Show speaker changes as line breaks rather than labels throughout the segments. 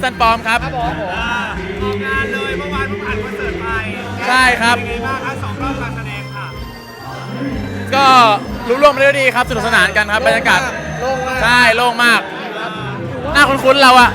ซันปอมครับ
ครับผม
ออกงานเลยเมื่อวานเพิ่งผ่านคอนเสิร์ตไป
ใช่ครับ
เป็นไงบ้างคะ2 รอบการแสดงค่ะ
ก็รู้ร่วมมาได้ดีครับสนุกสนานกันครับบรรยากาศ
โล่งมาก
ใช่โล่งมากหน้าคุ้นๆเราอะ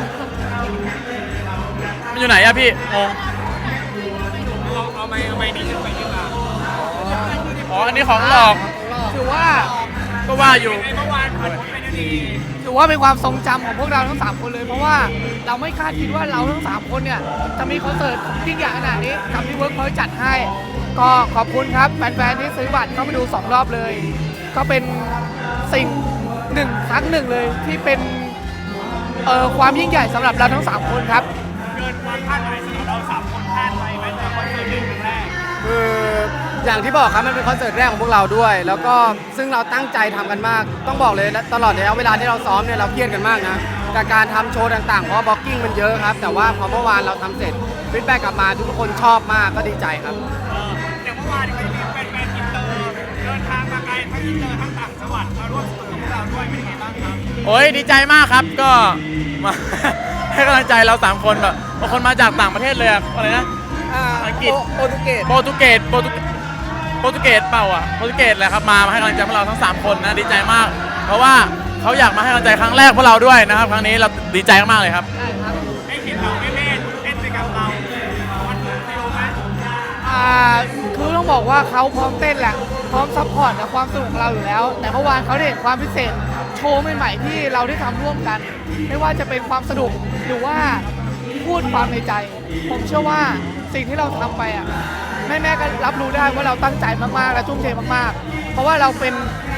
มันอยู่ไหนอะพี่งง
เอาไม้นี้ขึ้นไปดีกว่า
อ๋ออันนี้ของหลอก
ถือว่า
ก็ว่าอยู่
ในเมื่อวานผ่านพ้นไปด้วยดี
ถือว่าเป็นความทรงจำของพวกเราทั้ง3คนเลยเพราะว่าเราไม่คาดคิดว่าเราทั้ง3คนเนี่ยจะมีคอนเสิร์ตยิ่งใหญ่ขนาดนี้กับที่เวิร์กพอยต์จัดให้ ก็ขอบคุณครับแฟนๆที่ซื้อบัตรเข้ามาดู2 รอบเลย ก็เป็นสิ่งครั้งหนึ่งเลยที่เป็นความยิ่งใหญ่สำหรับเราทั้ง3คนครับ
เกินความคาดหมายสำหรับเรา3 คนคาดไว้ไหมแต่คอนเสิร์ตเป็นครั้งแรก
คืออย่างที่บอกครับมันเป็นคอนเสิร์ตแรกของพวกเราด้วย แล้วก็ซึ่งเราตั้งใจทำกันมาก ต้องบอกเลยตลอดระยะเวลาที่เราซ้อมเนี่ยเราเครียดกันมากนะกับการทำโชว์ต่างๆเพราะบล็อกกิ้งมันเยอะครับแต่ว่าพอเมื่อวานเราทำเสร็จฟีดแบ็กกลับมาทุกคนชอบมากก็ดีใจครับ
อย่างเมื่อวานก็จะมีแฟนๆอินเตอร์เดินทางมาไกลทั้งอินเตอร์ทั้งต่างจังหวัดมาร่วมสนุกกับพวกเราด้วยเป็นยังไงบ้างครับ
โอ้ยดีใจมากครับก็มา ให้กำลังใจเรา3 คนแบบบางคนมาจากต่างประเทศเลยอะอะไรนะอังกฤษ
โปรตุเกส
โปรตุเกสเปล่าอ่ะโปรตุเกสแหละครับมาให้กำลังใจพวกเราทั้ง3 คนนะดีใจมาก เพราะว่าเขาอยากมาให้กำลังใจครั้งแรกพวกเราด้วยนะครับครั้งนี้เราดีใจมากเลยครับ
ได้เห็นเราเล่นเล่นไปกับเรามันฟิลไหม
คือต้องบอกว่าเขาพร้อมเต้นแหละพร้อมซัพพอร์ตกับความสนุกของเราอยู่แล้ว แต่เมื่อวานเขาได้เห็นความพิเศษโชว์ใหม่ๆที่เราได้ทำร่วมกัน ไม่ว่าจะเป็นความสนุกหรือว่าพูดความในใจ ผมเชื่อว่าสิ่งที่เราทำไปอ่ะแม่ๆก็รับรู้ได้ว่าเราตั้งใจมากๆและทุ่มเทมากๆเพราะว่าเราเป็น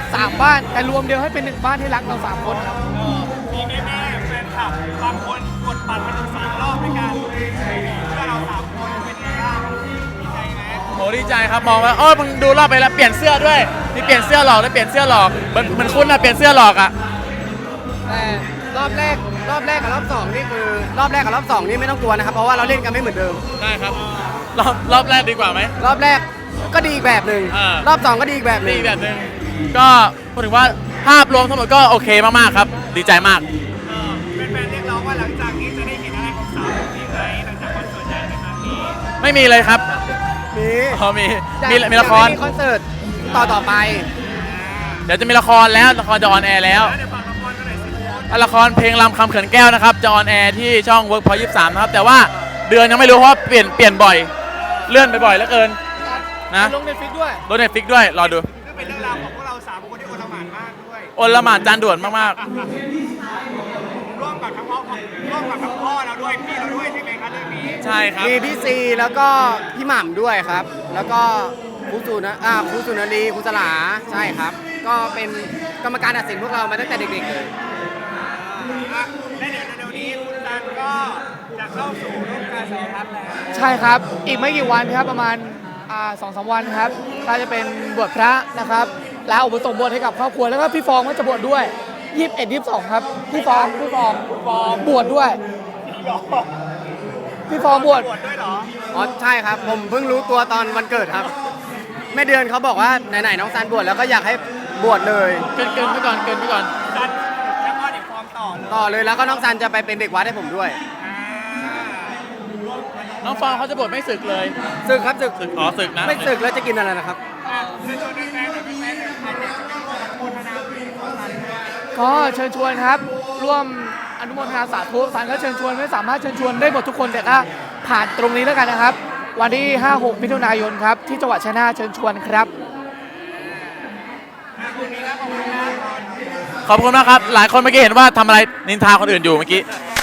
3 บ้านแต่รวมเดียวให้เป็น1 บ้านที่รักเรา3 คนครับ
มีแม่ๆแฟนคลับบางคนกดบัตรมาถึง3 รอบด้วยกันเพื่อเรา3 คนเป็นยังไงบ้างดีใจไหม
โอ้ดีใจครับมองว่ามึงดูรอบไปแล้วเปลี่ยนเสื้อด้วยมีเปลี่ยนเสื้อหลอกแล้วเปลี่ยนเสื้อหลอกมันคุ้นนะเปลี่ยนเสื้อหลอกอ่ะ
แต่รอบแรกกับรอบ2นี่คือรอบแรกกับรอบ2นี่ไม่ต้องกลัวนะครับเพราะว่าเราเล่นกันไม่เหมือนเดิม
ได้ครับรอบแรกดีกว่าไหม
รอบแรกก็ดีอีกแบบหนึ่งรอบ2ก็ดีอีกแบบหนึ่ง
ก็พูดถึงว่าภาพรวมทั้งหมดก็โอเคมากๆครับดีใจมาก
เป็นแฟนเรียกร้องว่าหลังจากนี้จะได้เห็นอะไรของสาวอีกไหมหลังจากคอนเสิร์ตใหญ่ในครั้งนี้
ไม่มีเลยครับมีละคร
คอนเสิร์ตต่อไป
เดี๋ยวจะมีละครแล้วละครจะออนแอร์แล้ว
เดี๋ยวฝากละครกันหน่อยสิ
ละครเพลงลำคำเขินแก้วนะครับจะออนแอร์ที่ช่อง Workpoint 23นะครับแต่ว่าเดือนยังไม่รู้เพราะเปลี่ยนบ่อยเลื่อนไปบ่อยเหลือเกินนะ
ลง Netflix ด้วย
รอดู
ก็เป็นเรื่องราวของพวกเรา3 คนที่โอลหม่านมากด้วย
โอลหม่านจานด่วนมาก
ร่วมกับทั้งพ่อเราด้วยพี่เราด้วยใช่ไหมครับเรื่องนี้
ใช่ครับ
มีพี่ซีแล้วก็พี่หม่ำด้วยครับแล้วก็ครูสุนารีครูสลาใช่ครับก็เป็นกรรมการตัดสินพวกเรามาตั้งแต่เด็กๆเลย
และเดี๋ยวนี้คุณตันก็จะเข้าสู่ร่วมการสารพัดแล้ว
ใช่ครับอีกไม่กี่วันครับประมาณ2-3 วันครับก็จะเป็นบวชพระนะครับแล้วอุปสมบทให้กับครอบครัวแล้วก็พี่ฟองก็จะบวชด้วย21-22ครับพี่ฟองบวชด้วยพี่ฟองบวช
ด้วยเหรอ
อ๋อใช่ครับผมเพิ่งรู้ตัวตอนวันเกิดครับแม่เดือนเขาบอกว่าไหนๆน้องซันบวชแล้วก็อยากให้บวชเลย
เกินไปก่อน
ซันแล้วก็เด็กฟอร์ม
ต่อเลยแล้วก็น้องซันจะไปเป็นเด็กวัดให้ผมด้วย
น้องฟองเขาจะบวชไม่ศึกเลย
ศึกครับศึก
ศึกนะ
ไม่ศึกแล้วจะกินอะไรนะครับ
ก็เชิญชวนครับร่วมอนุโมทนาสาธุสันก็เชิญชวนไม่สามารถเชิญชวนได้หมดทุกคนแต่ก็ผ่านตรงนี้แล้วกันนะครับวันที่ 5-6 มิถุนายนครับที่จังหวัดชัยนาทเชิญชวนครับ
ขอบคุณมากครับหลายคนเมื่อกี้เห็นว่าทำอะไรนินทาคนอื่นอยู่เมื่อกี้